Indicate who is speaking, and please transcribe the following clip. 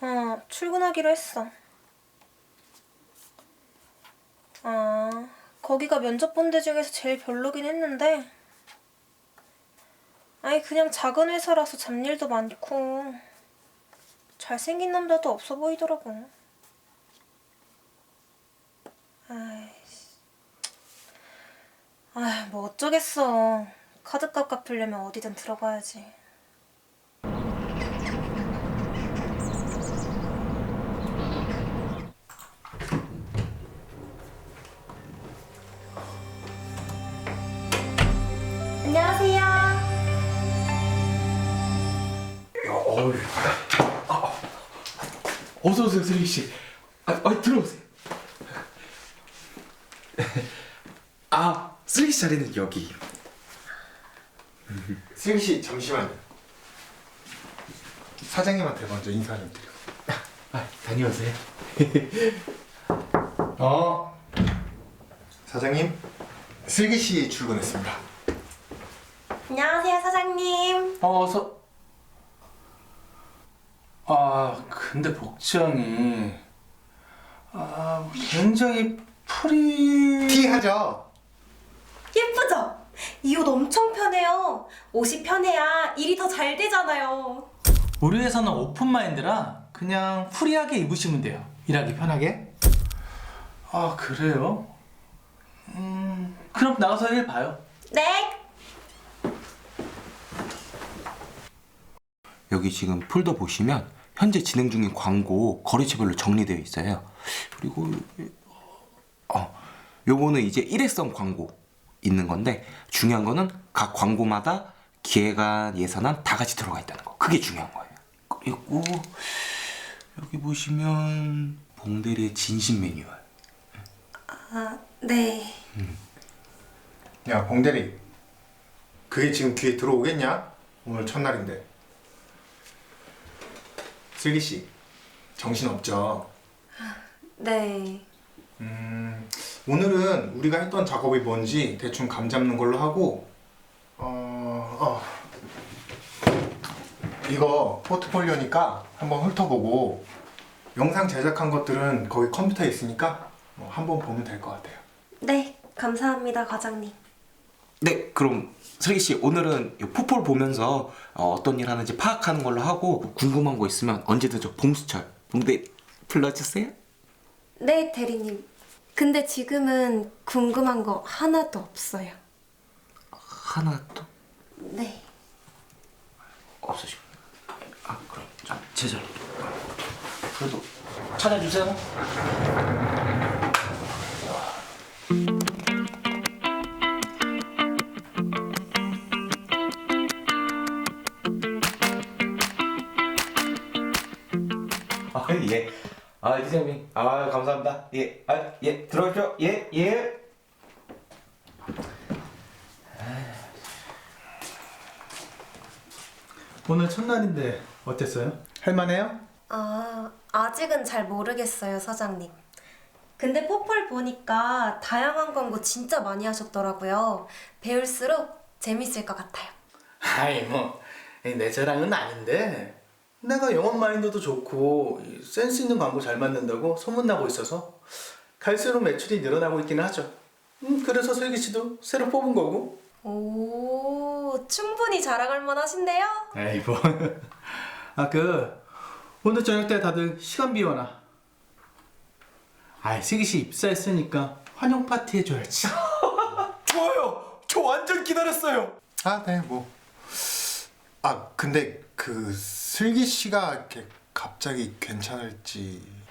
Speaker 1: 출근하기로 했어. 거기가 면접 본 데 중에서 제일 별로긴 했는데, 아니 그냥 작은 회사라서 잡일도 많고 잘생긴 남자도 없어 보이더라고. 뭐 어쩌겠어. 카드값 갚으려면 어디든 들어가야지. 안녕하세요.
Speaker 2: 어서 오세요, 슬기 씨. 들어오세요. 슬기 씨 자리는 여기.
Speaker 3: 슬기 씨 잠시만요. 사장님한테 먼저 인사 좀 드려.
Speaker 2: 다녀오세요.
Speaker 3: 사장님, 슬기 씨 출근했습니다.
Speaker 1: 안녕하세요, 사장님.
Speaker 2: 근데 복장이 굉장히
Speaker 3: 티하죠?
Speaker 1: 예쁘죠? 이 옷 엄청 편해요. 옷이 편해야 일이 더 잘 되잖아요.
Speaker 4: 우리 회사는 오픈 마인드라 그냥 프리하게 입으시면 돼요. 일하기 편하게. 그래요? 그럼 나가서 일 봐요.
Speaker 1: 네.
Speaker 5: 여기 지금 폴더 보시면 현재 진행 중인 광고 거래처별로 정리되어 있어요. 그리고 요거는 이제 일회성 광고 있는 건데, 중요한 거는 각 광고마다 기획안, 예산안 다 같이 들어가 있다는 거. 그게 중요한 거예요. 그리고 여기 보시면 봉대리의 진심 매뉴얼.
Speaker 1: 네.
Speaker 3: 야, 봉대리. 그게 지금 귀에 들어오겠냐? 오늘 첫날인데. 슬기 씨, 정신 없죠?
Speaker 1: 네.
Speaker 3: 오늘은 우리가 했던 작업이 뭔지 대충 감 잡는 걸로 하고, 이거 포트폴리오니까 한번 훑어보고, 영상 제작한 것들은 거기 컴퓨터에 있으니까 한번 보면 될 것 같아요.
Speaker 1: 네, 감사합니다, 과장님.
Speaker 5: 네, 그럼 슬기 씨 오늘은 이 포폴 보면서 어떤 일 하는지 파악하는 걸로 하고, 궁금한 거 있으면 언제든 저 봉수철, 봉대 불러주세요.
Speaker 1: 네, 대리님. 근데 지금은 궁금한 거 하나도 없어요.
Speaker 5: 하나도
Speaker 1: 네.
Speaker 5: 없으시고. 그럼 제 자리로. 그래도 찾아주세요. 예. 이사장님. 감사합니다. 예. 들어오십시오. 예.
Speaker 4: 오늘 첫날인데 어땠어요? 할만해요?
Speaker 1: 아직은 잘 모르겠어요, 사장님. 근데 포폴 보니까 다양한 광고 진짜 많이 하셨더라고요. 배울수록 재밌을 것 같아요.
Speaker 4: 내 자랑은 아닌데 내가 영업 마인드도 좋고 센스 있는 광고 잘 만든다고 소문나고 있어서 갈수록 매출이 늘어나고 있기는 하죠. 그래서 슬기 씨도 새로 뽑은 거고.
Speaker 1: 오, 충분히 자랑할 만하신데요?
Speaker 4: 뭐. 오늘 저녁 때 다들 시간 비워놔. 슬기 씨 입사했으니까 환영 파티 해줘야지.
Speaker 2: 좋아요. 저 완전 기다렸어요.
Speaker 3: 네, 뭐. 근데 그 슬기 씨가 이렇게 갑자기 괜찮을지.